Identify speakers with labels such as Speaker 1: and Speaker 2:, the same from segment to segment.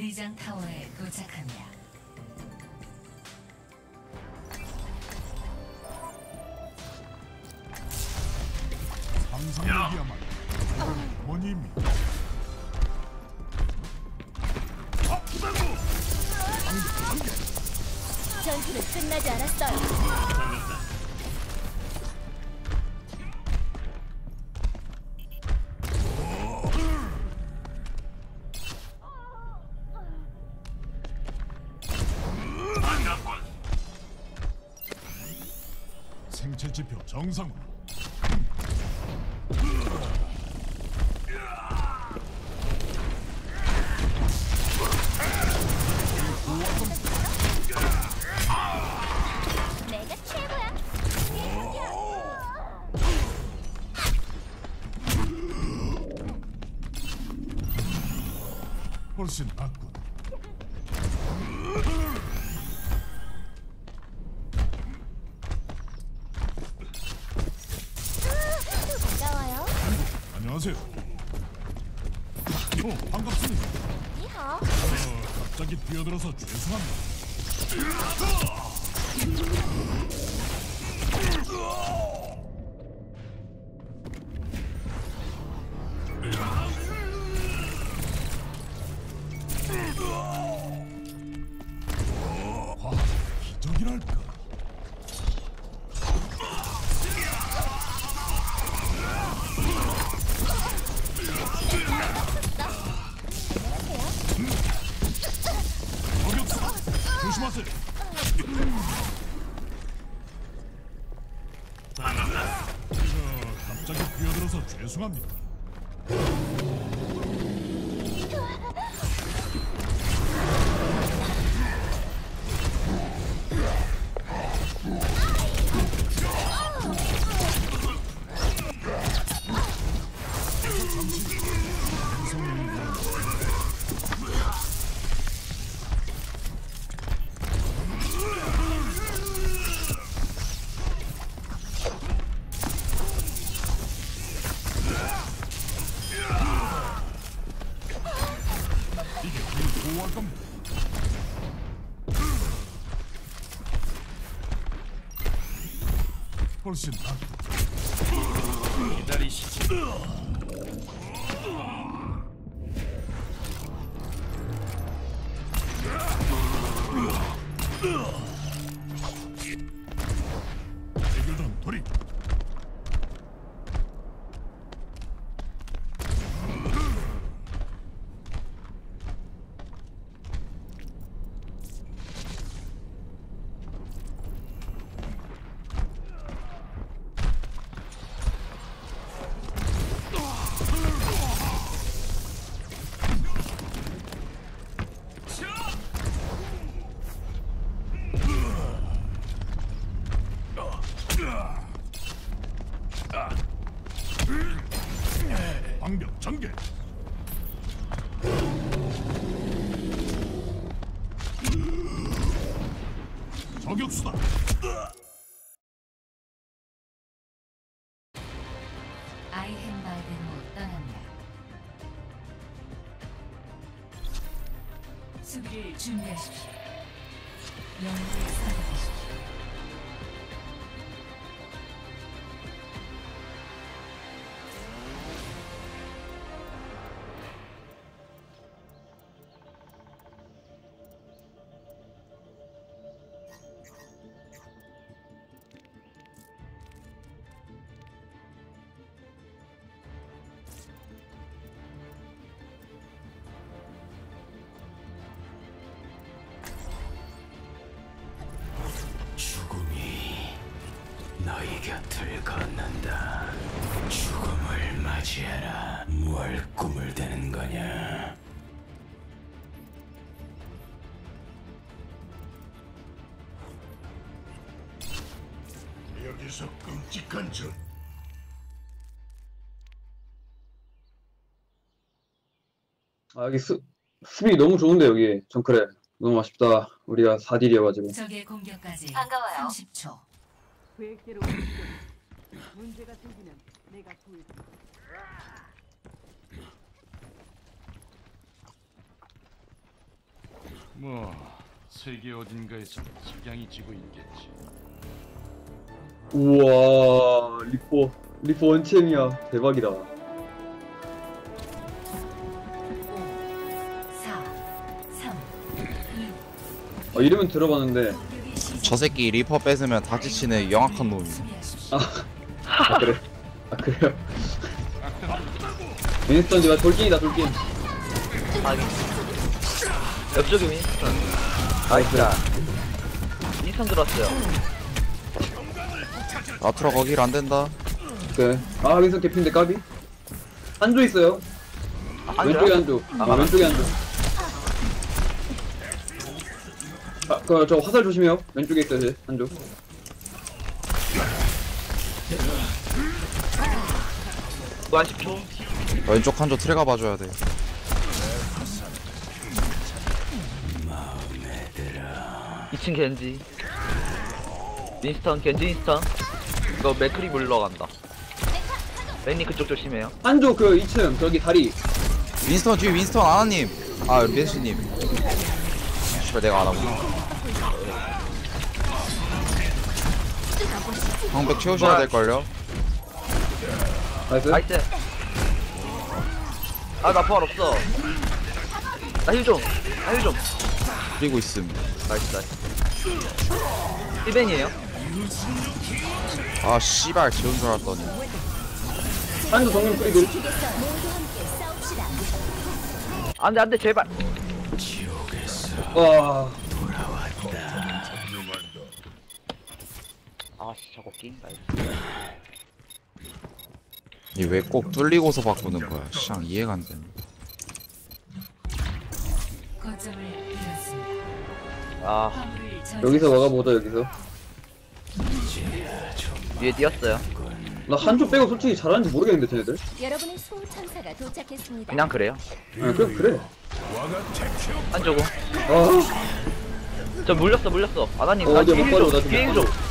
Speaker 1: 리장 타워에 도착합니다.
Speaker 2: 상상력이야말로 어머니입니다.
Speaker 3: 전투는 끝나지 않았어요.
Speaker 2: 생체 지표 정상으로.
Speaker 3: 내가 최고야.
Speaker 2: 훨씬 낫군.
Speaker 3: 반가워요.
Speaker 2: 안녕하세요. 반갑습니다.
Speaker 3: 이하.
Speaker 2: 갑자기 뛰어들어서 죄송합니다. 기적이랄까. 조심하세요. 갑자기 뛰어들어서 죄송합니다. 이게 우리 보호할 겁니다. 훨씬 낫고.
Speaker 4: 기다리시죠.
Speaker 2: 해결단 돌이. 방벽 전개. 저격수다.
Speaker 1: 아이헨바르로 떠납니다. 수비를 준비하십시오. 영웅을 선택하십시오.
Speaker 4: 죽음이 너희 곁을 걷는다. 죽음을 맞이해라. 뭘 꿈을 대는 거냐?
Speaker 2: 여기서 끔찍한 전.
Speaker 5: 아, 여기 수비 너무 좋은데, 여기. 정크레. 너무 아쉽다. 우리가 4딜이어가지고.
Speaker 1: 적의 공격까지
Speaker 3: 반가워요.
Speaker 1: 30초.
Speaker 6: 계획대로 움직여. 문제가 생기면 내가 구해줄.
Speaker 2: 뭐 세계 어딘가에서 석양이 지고 있겠지.
Speaker 5: 우와 리포 원챔이야. 대박이다.
Speaker 1: 5, 4, 3, 2,
Speaker 5: 이름은 들어봤는데.
Speaker 1: 공격이 시작.
Speaker 7: 저 새끼 리퍼 뺏으면 다지치는 영악한 놈이.
Speaker 1: 준비하십시오.
Speaker 5: 아 그래. 아 그래요. 윈스턴 지금 돌진이다 돌진.
Speaker 8: 확인. 옆쪽에 윈스턴. 나이스다. 윈스턴 들었어요.
Speaker 7: 아트라 거길 안 된다.
Speaker 5: 네. 아 윈스턴 개핀데 까비. 한조 있어요. 왼쪽에 한조. 왼쪽에 한조. 저 화살 조심해요. 왼쪽에 있어요 제 한조.
Speaker 8: 무한 10초.
Speaker 7: 왼쪽 한조 트레가 봐줘야 돼.
Speaker 8: 이층 겐지. 윈스턴, 겐지 윈스턴. 이거 맥크리 물러간다. 맨니 그쪽 조심해요.
Speaker 5: 한조 그 2층 저기 다리.
Speaker 7: 윈스턴 뒤에 윈스턴 아나님. 아 벤시님. 씨발 내가 안 하구나. 방백 채우셔야 될걸요?
Speaker 5: 나이스.
Speaker 8: 나이스. 아, 나 부활 없어. 나 힐 좀. 나 힐 좀.
Speaker 7: 그리고 있음.
Speaker 8: 나이스, 나이스. 1벤이에요?
Speaker 7: 아 씨발 재운 줄 알았더니.
Speaker 5: 한조 정면 뿌리고.
Speaker 3: 모두 함께 싸웁시다.
Speaker 8: 안 돼, 안 돼, 제발.
Speaker 5: 와.
Speaker 8: 아, 씨, 저거 게임. 나이스.
Speaker 7: 이 왜 꼭 뚫리고서 바꾸는 거야? 샹 이해가 안 되네.
Speaker 1: 거점을 잃었습니다.
Speaker 8: 아,
Speaker 1: 화물을
Speaker 5: 여기서 막아보자 여기서.
Speaker 8: 위에 뛰었어요.
Speaker 5: 나 한조 빼고 솔직히 잘하는지 모르겠는데 쟤네들.
Speaker 3: 여러분의 수호천사가 도착했습니다.
Speaker 8: 그냥 그래요.
Speaker 5: 아 그래.
Speaker 8: 안 저거.
Speaker 5: 아.
Speaker 8: 저 물렸어. 아나님,
Speaker 5: 어,
Speaker 8: 나
Speaker 5: 어디야,
Speaker 8: 뒤에
Speaker 5: 못
Speaker 8: 힐
Speaker 5: 빠져,
Speaker 8: 줘.
Speaker 5: 나
Speaker 8: 뒤에 힐
Speaker 5: 좀
Speaker 8: 줘.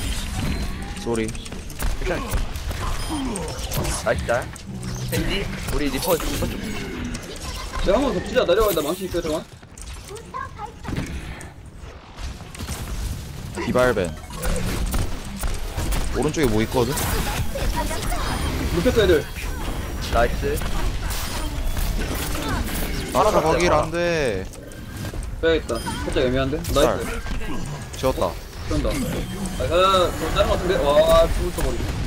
Speaker 7: 쏘리.
Speaker 8: 나이스 잘. 겐지, 우리 리퍼 좀.
Speaker 5: 내가 한번 덮치자. 내려가. 나 망치 있어요 잠깐.
Speaker 7: 디발벤. 오른쪽에 뭐 있거든?
Speaker 5: 눕혔어 애들.
Speaker 8: 나이스.
Speaker 7: 아트라 거길 안 돼.
Speaker 5: 빼야겠다. 살짝 애매한데. 나이스.
Speaker 7: 지웠다.
Speaker 5: 그런다. 더 다른 거 같은데. 와 죽을 버리네.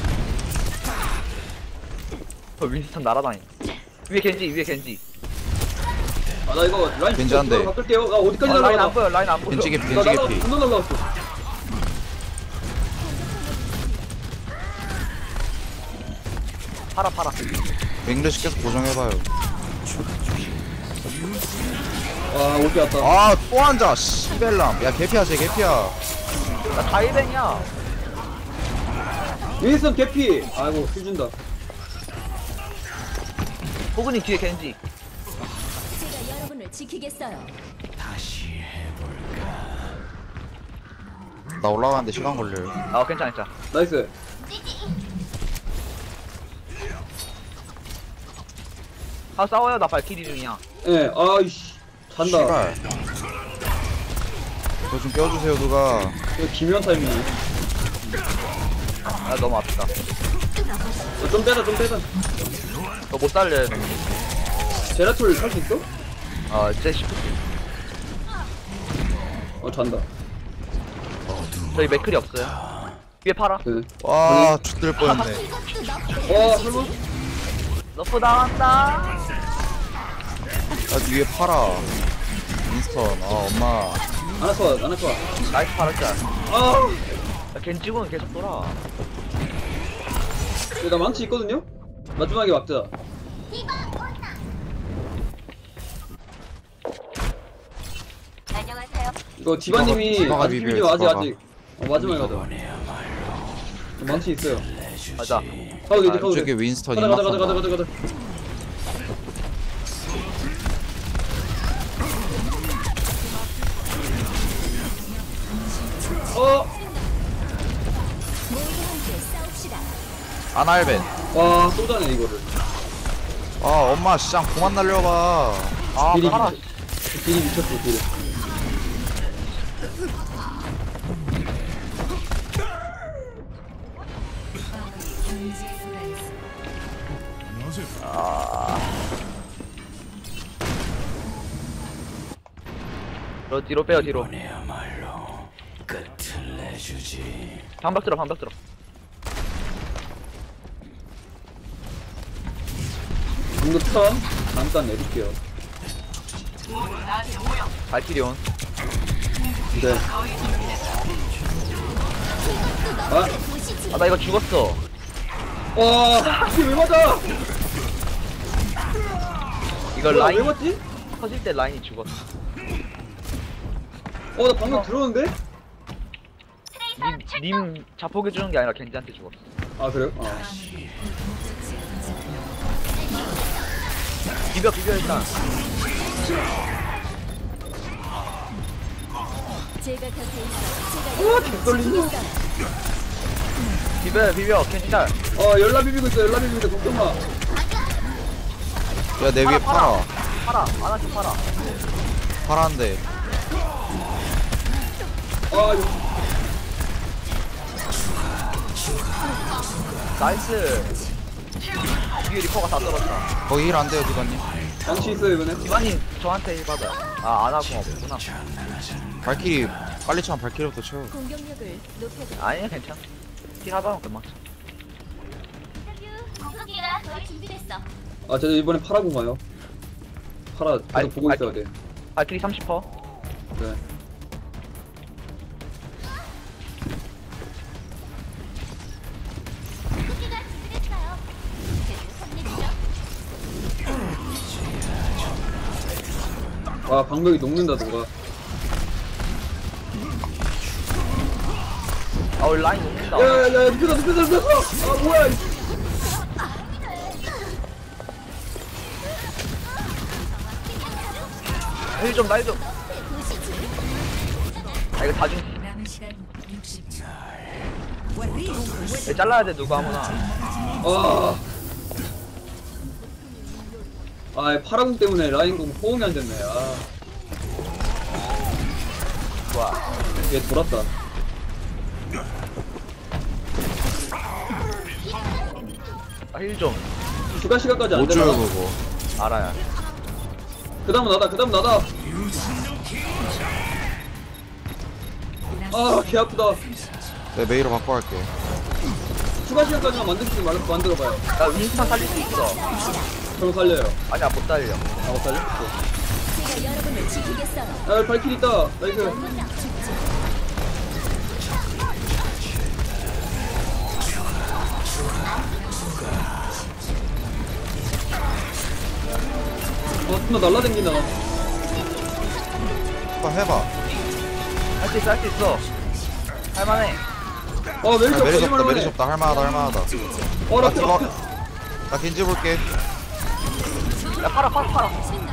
Speaker 8: 윈스턴 날아다니. 위에 겐지.
Speaker 5: 아 나 이거 라인
Speaker 7: 괜찮은데.
Speaker 5: 바꿀게요. 나 어디까지
Speaker 8: 라인
Speaker 5: 날아가?
Speaker 8: 안 보여, 라인 안 보여.
Speaker 7: 겐지 개피
Speaker 5: 나
Speaker 7: 겐지
Speaker 5: 날아가.
Speaker 7: 개피.
Speaker 5: 분노 날라갔어.
Speaker 8: 팔아.
Speaker 7: 잉글리시 계속 고정해봐요.
Speaker 5: 와 올게 왔다.
Speaker 7: 아 또 앉아 씨벨람. 야 개피야 쟤 개피야.
Speaker 8: 나 다이벤이야.
Speaker 5: 윈스턴 개피. 아이고 힐 준다.
Speaker 8: 호그님 뒤에 겐지.
Speaker 3: 제가 여러분을 지키겠어요.
Speaker 7: 나 올라가는데 시간 걸려요.
Speaker 8: 아, 괜찮아.
Speaker 5: 나이스.
Speaker 8: 아, 싸워요. 나 발키리 중이야.
Speaker 5: 예. 아이씨. 잔다.
Speaker 7: 씨발. 저 좀 껴주세요 누가.
Speaker 5: 이거 기묘한 타이밍이네.
Speaker 8: 아, 너무 아프다.
Speaker 5: 좀 빼자.
Speaker 8: 너 못 살려요.
Speaker 5: 제라툴 살 수 있어?
Speaker 8: 아, 제 시프트.
Speaker 5: 잔다.
Speaker 8: 저희 맥클이 없어요. 위에 팔아.
Speaker 5: 네.
Speaker 7: 와 죽들 뻔했네.
Speaker 5: 와 설마?
Speaker 8: 너프 나간다.
Speaker 7: 아 위에 팔아. 윈스턴. 아 엄마.
Speaker 5: 안아커.
Speaker 8: 나이스 팔았자.
Speaker 5: 아.
Speaker 8: 겐지군 계속 돌아.
Speaker 5: 나 망치 있거든요? 마지막에 막자.
Speaker 3: 안녕하세요.
Speaker 5: 이거 디바님이
Speaker 7: 디바가
Speaker 5: 아직
Speaker 7: 비벼요,
Speaker 5: 비비죠 아직.
Speaker 7: 디바가.
Speaker 5: 마지막에 가자. 망치 있어요.
Speaker 8: 가자.
Speaker 5: 가도 되지 가도
Speaker 7: 저기
Speaker 5: 돼.
Speaker 7: 윈스턴
Speaker 5: 가자.
Speaker 7: 입막한다.
Speaker 3: 모두 함께 싸웁시다.
Speaker 7: 아날벤.
Speaker 5: 와 쏘자네 이거를.
Speaker 7: 아 엄마 시장 그만 날려봐.
Speaker 8: 아,
Speaker 5: 딜이
Speaker 8: 팔아.
Speaker 5: 딜이 미쳤어 딜.
Speaker 1: 경제에 도달했습니다.
Speaker 8: 뒤로 빼요 뒤로.
Speaker 4: 이번에야말로 끝을 내주지.
Speaker 8: 방벽 들어 방벽 들어.
Speaker 5: 방금 턴 잠깐 내릴게요.
Speaker 8: 발키리온.
Speaker 5: 네. 아,
Speaker 8: 아 나 이거 죽었어.
Speaker 5: 와, 이게 왜 맞아?
Speaker 8: 이거
Speaker 5: 뭐야, 왜
Speaker 8: 라인
Speaker 5: 맞지?
Speaker 8: 터질 때 라인이 죽었어.
Speaker 5: 나 방금 들었는데?
Speaker 8: 님 자폭해 주는 게 아니라 겐지한테 죽었어.
Speaker 5: 아, 그래요?
Speaker 1: 목적지에 도착합니다.
Speaker 8: 비벼 일단.
Speaker 3: 제가 곁에 있어. 제가
Speaker 5: 떨린다.
Speaker 8: 비벼 겐지달.
Speaker 5: 열라 비비고 있어, 열라 비비고 있어, 걱정 마.
Speaker 7: 야 내 위에 팔아.
Speaker 8: 팔아 하나씩 팔아.
Speaker 7: 팔았는데.
Speaker 5: 이거.
Speaker 8: 나이스. 뒤에 리퍼가 다 떨어졌다.
Speaker 7: 거기 힐 안 돼요 디바님.
Speaker 5: 방치 있어요, 이번에.
Speaker 8: 이만님 저한테 힐 받아요. 안 하고 없구나.
Speaker 7: 발키리 빨리 차면 발키리부터 채워.
Speaker 3: 공격력을 높여드려.
Speaker 8: 아니야 괜찮아. 힐 하다 보면 금방 차.
Speaker 3: 공격기가 거의 준비됐어.
Speaker 5: 저 이번에 파라고 가요. 파라 계속
Speaker 8: 아니,
Speaker 5: 보고 있어야 돼.
Speaker 8: 발키리 30%.
Speaker 5: 네.
Speaker 3: 공격기가 준비됐어요. 제주
Speaker 5: 방벽이 녹는다, 누가.
Speaker 8: 우리 라인 녹는다.
Speaker 5: 야, 눕혔어! 뭐야, 이
Speaker 8: 힐 좀 나이 좀. 이거 다 중.
Speaker 1: 남은 시간 60초.
Speaker 8: 얘 잘라야 돼 누가 아무나.
Speaker 5: 파라공 때문에 라인공 호응이 안 됐네.
Speaker 8: 좋아.
Speaker 5: 얘 돌았다.
Speaker 8: 힐 좀.
Speaker 5: 추가 시간까지 안
Speaker 7: 못 줘요
Speaker 5: 되나?
Speaker 7: 그거.
Speaker 8: 알아야.
Speaker 5: 그 다음은 나다. 개 아프다.
Speaker 7: 내 메이로 바꿔 할게.
Speaker 5: 추가 시간까지만 만들어봐요.
Speaker 8: 나 윈스턴 살릴 수 있어.
Speaker 5: 그럼 살려요.
Speaker 8: 아니야 못 살려.
Speaker 5: 못 살려?
Speaker 3: 제가 여러분을 지키겠어요.
Speaker 5: 발키리 있다. 나이스. 존나 날라댕긴다.
Speaker 7: 한번 해봐.
Speaker 8: 할 수 있어. 할만해.
Speaker 5: 메리시 없다.
Speaker 7: 메리시 없다
Speaker 5: 이만하네.
Speaker 7: 메리시 없다. 할만하다.
Speaker 5: 나
Speaker 7: 나 디바. 나 겐지 볼게.
Speaker 8: 야 팔아.
Speaker 5: 팔아.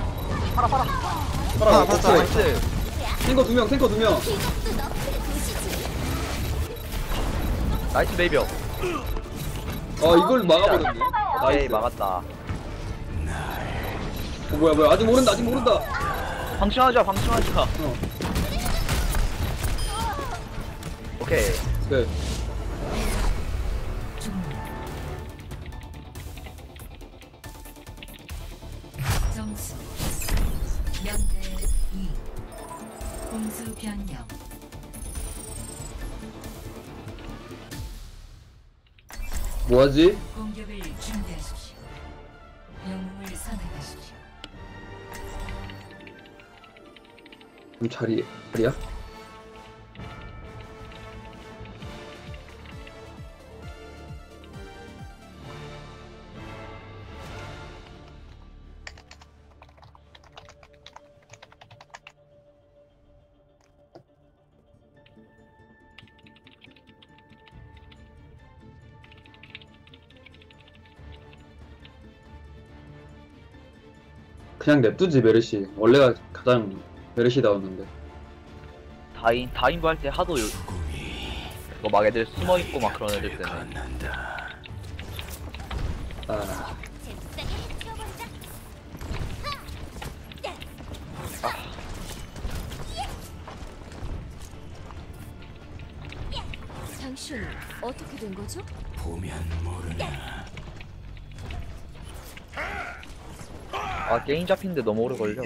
Speaker 7: 팔자.
Speaker 8: 나이스.
Speaker 5: 탱커 2명.
Speaker 8: 나이스 베이비어.
Speaker 5: 이걸 막아버렸네.
Speaker 8: 나이
Speaker 5: 나이스.
Speaker 8: 막았다.
Speaker 5: 뭐야. 아직 모른다.
Speaker 8: 방심하자. 오케이.
Speaker 5: 네.
Speaker 1: 점수 0대 2. 공수 변경.
Speaker 5: 뭐하지?
Speaker 1: 공격을 준비하십시오. 영웅을 선택하십시오.
Speaker 5: 그럼 자리야? 그냥 냅두지 메르시. 원래가 가장 메르시다웠는데.
Speaker 8: 다인부 할 때 하도 그거 막 애들 숨어 있고 막 그런 애들 때문에.
Speaker 3: 당신 어떻게 된 거죠?
Speaker 4: 보면 모르나.
Speaker 8: 아 게임 잡히는데 너무 오래 걸려.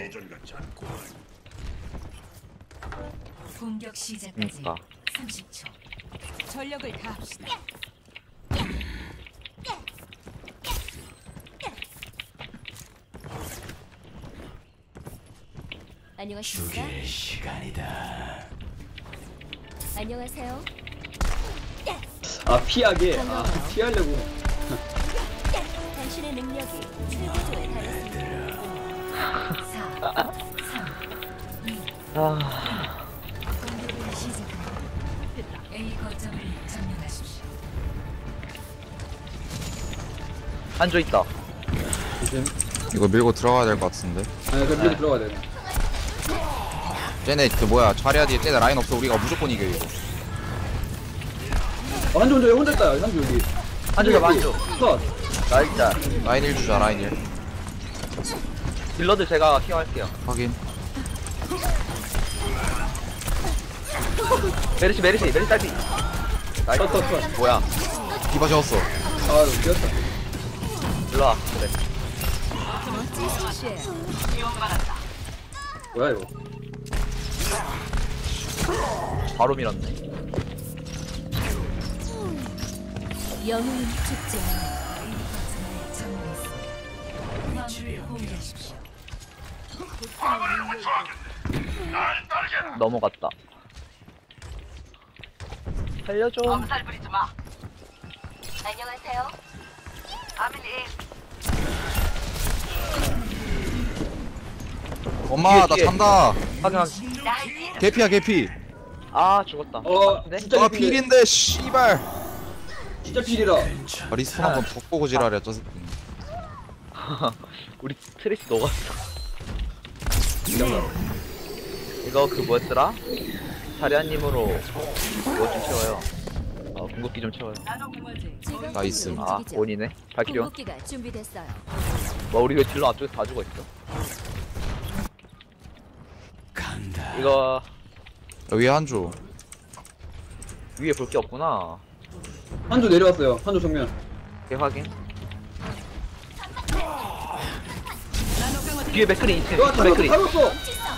Speaker 1: 공격 시작까지
Speaker 8: 그러니까.
Speaker 1: 30초.
Speaker 6: 전력을 다합시다.
Speaker 3: 안녕하십니까?
Speaker 4: 죽일 시간이다.
Speaker 3: 안녕하세요.
Speaker 5: 아 피하게. 아
Speaker 3: 반가워요.
Speaker 5: 피하려고.
Speaker 3: 당신의 능력이 최고조에 달했습니다.
Speaker 1: 4, 3, 2,
Speaker 8: 아
Speaker 1: 공격을 시작합니다. A 거점을 점령하십시오.
Speaker 8: 한조 있다.
Speaker 5: 조심.
Speaker 7: 이거 밀고 들어가야 될 것 같은데.
Speaker 5: 아 그럼 밀고 들어가야 돼.
Speaker 7: 쟤네 그 뭐야 자리야 뒤에 쟤네 라인 없어. 우리가 무조건 이겨 이거.
Speaker 5: 한조 혼자 여기 혼자 있다. 한조 여기.
Speaker 8: 한조가 만조.
Speaker 5: 컷.
Speaker 8: 나 진짜
Speaker 7: 라인 1 주자 라인 1.
Speaker 8: 딜러들 제가 케어할게요.
Speaker 7: 확인.
Speaker 8: 메르시 딸피. 나이스.
Speaker 5: 컷.
Speaker 8: 뭐야?
Speaker 7: 디바 재웠어.
Speaker 5: 아 이거 뛰었다.
Speaker 8: 일로와. 그래.
Speaker 3: 멋진 실수예요.
Speaker 5: 뭐야 이거.
Speaker 8: 바로 밀었네.
Speaker 3: 영웅은 죽지 않아.
Speaker 1: A 거점을 점령했습니다. 화물을 공개하십시오.
Speaker 8: 넘어갔다. 살려줘.
Speaker 3: 안녕하세요.
Speaker 7: 엄마 나
Speaker 8: 뒤에.
Speaker 7: 잔다.
Speaker 8: 확인.
Speaker 7: 개피야 개피.
Speaker 8: 아 죽었다. 네?
Speaker 5: 진짜
Speaker 7: 아 필인데 씨발.
Speaker 5: 진짜 필이라.
Speaker 7: 아, 리스폰 한번 더 보고 지랄이야 저 새끼.
Speaker 8: 우리 트레이스 녹았어. 이거 그 뭐였더라? 자리아님으로 뭐 좀 채워요. 궁극기 좀 채워요.
Speaker 3: 지금
Speaker 7: 나이스.
Speaker 8: 아
Speaker 3: 움직이죠.
Speaker 8: 원이네. 발키리온.
Speaker 3: 궁극기가 준비됐어요.
Speaker 8: 뭐 우리 왜 딜러 앞쪽에서 다 죽어 있어?
Speaker 4: 간다.
Speaker 8: 이거
Speaker 7: 여기 한조.
Speaker 8: 위에 볼 게 없구나.
Speaker 5: 한조 내려왔어요. 한조 정면.
Speaker 8: 오케이 확인. 뒤에 맥크리 2층.
Speaker 5: 와
Speaker 8: 맥크리.
Speaker 5: 타였어.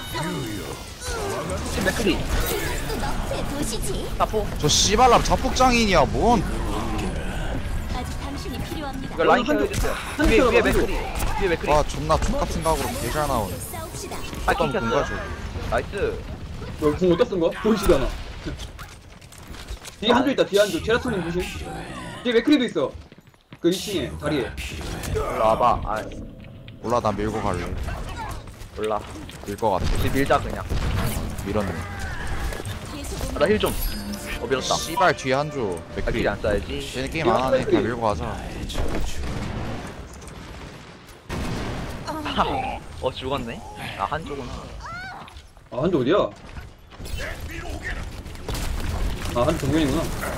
Speaker 8: 맥크리.
Speaker 3: 제 도시지.
Speaker 8: 사포.
Speaker 7: 저 씨발람 자폭장인이야 뭔.
Speaker 3: 아직 당신이 필요합니다.
Speaker 8: 이거 라인
Speaker 5: 한조-
Speaker 8: 케어해주세요.
Speaker 5: 한조
Speaker 8: 위에
Speaker 5: 한조.
Speaker 8: 맥크리. 위에 맥크리.
Speaker 7: 와 존나 족같은 각으로 개잘 나오네.
Speaker 3: 싸웁시다.
Speaker 8: 파이팅
Speaker 7: 어떤
Speaker 8: 켰어요.
Speaker 7: 건가
Speaker 8: 나이스.
Speaker 5: 너궁 어디다 쓴 거야? 보이지도 않아. 뒤에 한조 있다. 뒤에 한조. 제라토님 조심. 뒤에 맥크리도 있어. 그 2층에 다리에.
Speaker 8: 일로 와봐. 아
Speaker 7: 몰라 나 밀고 갈래.
Speaker 8: 몰라.
Speaker 7: 밀 것 같아.
Speaker 8: 우리 밀자 그냥.
Speaker 7: 밀었네.
Speaker 3: 계속
Speaker 8: 나 힐 좀. 밀었다.
Speaker 7: 씨발 뒤에 한조. 맥크리.
Speaker 8: 발키리 안 써야지.
Speaker 7: 쟤네 게임 안 하네. 그냥 밀고 가자.
Speaker 8: 죽었네. 아 한쪽은.
Speaker 5: 아 한조 어디야? 아 한조 정면이구나.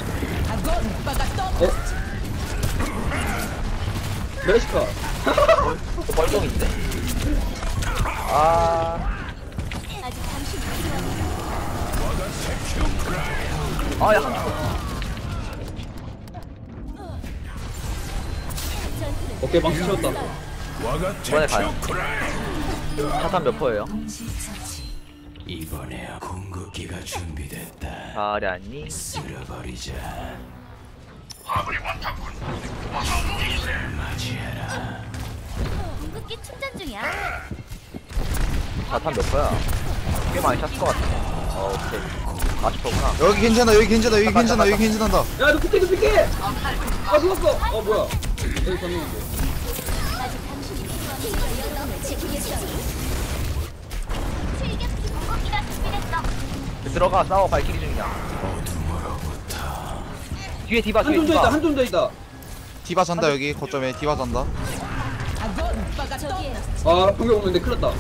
Speaker 5: 메시카.
Speaker 8: 멀쩡인데? 아.
Speaker 3: 아직 당신이 필요합니다.
Speaker 8: 아야 한쪽.
Speaker 3: 전투는
Speaker 5: 오케이 방치 채웠다.
Speaker 8: 이번에 가요. 자탄 몇 퍼예요?
Speaker 1: 동시처치.
Speaker 4: 이번에 궁극기가 준비됐다.
Speaker 8: 자리아니.
Speaker 4: 쓸어버리자. 맞이해라.
Speaker 3: 궁극기 충전 중이야.
Speaker 8: 자탄 몇 퍼야? 꽤 많이 찼을 것 같아. 오케이. 40%구나.
Speaker 7: 여기 괜찮아 여기 괜찮아 여기 괜찮아 여기 괜찮다.
Speaker 5: 야너 피게. 아 죽었어. 어 뭐야? 여기 졌는데.
Speaker 3: 아직 당신이 필요합니다. 여러분을 지키겠어요. 출격 궁극기가 준비됐어.
Speaker 8: 들어가 싸워 발키리 중이야. 뒤에 디바 뒤에
Speaker 5: 한조 혼자 있다.
Speaker 8: 디바.
Speaker 5: 한조 혼자 있다.
Speaker 7: 디바 잔다 여기 거점에 디바 잔다.
Speaker 3: 저기에
Speaker 5: 아 공격 오는데 큰일 났다.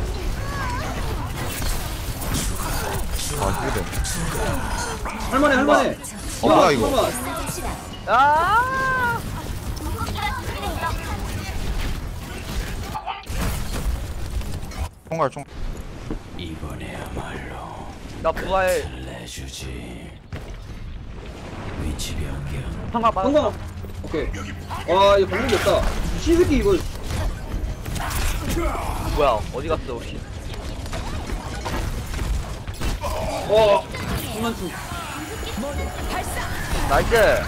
Speaker 7: 아 힐드.
Speaker 5: 할만해.
Speaker 7: 뭐야, 이거?
Speaker 5: 잠깐만.
Speaker 3: 싸웁시다.
Speaker 8: 아.
Speaker 7: 총괄 총.
Speaker 4: 이번에야말로
Speaker 8: 나 부활.
Speaker 4: 내주지. 위치 변경.
Speaker 8: 성광 받았어.
Speaker 5: 성광. 오케이. 와 이거 방법이 없다. 신새끼 이걸.
Speaker 8: 뭐야 어디 갔어 우리?
Speaker 5: 장난충.
Speaker 8: 나이스.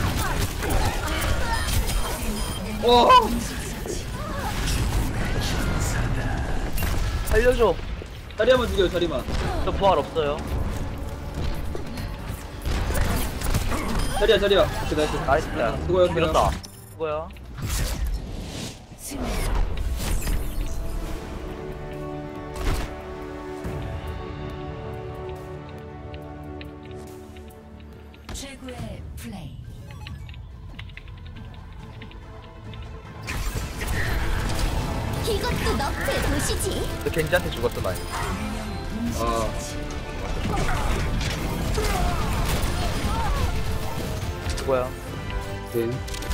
Speaker 8: 살려줘.
Speaker 5: 자리야만 죽여요 자리만.
Speaker 8: 저 부활 없어요.
Speaker 5: 자리야. 오케이 나이스.
Speaker 8: 나이스.
Speaker 5: 수고요.
Speaker 8: 밀었다. 수고야.
Speaker 1: 승리. 최고의 플레이.
Speaker 3: 이것도 너프의 도시지.
Speaker 8: 너 겐지한테 죽었어 나.
Speaker 5: 아.
Speaker 8: 수고야.
Speaker 5: 오케이.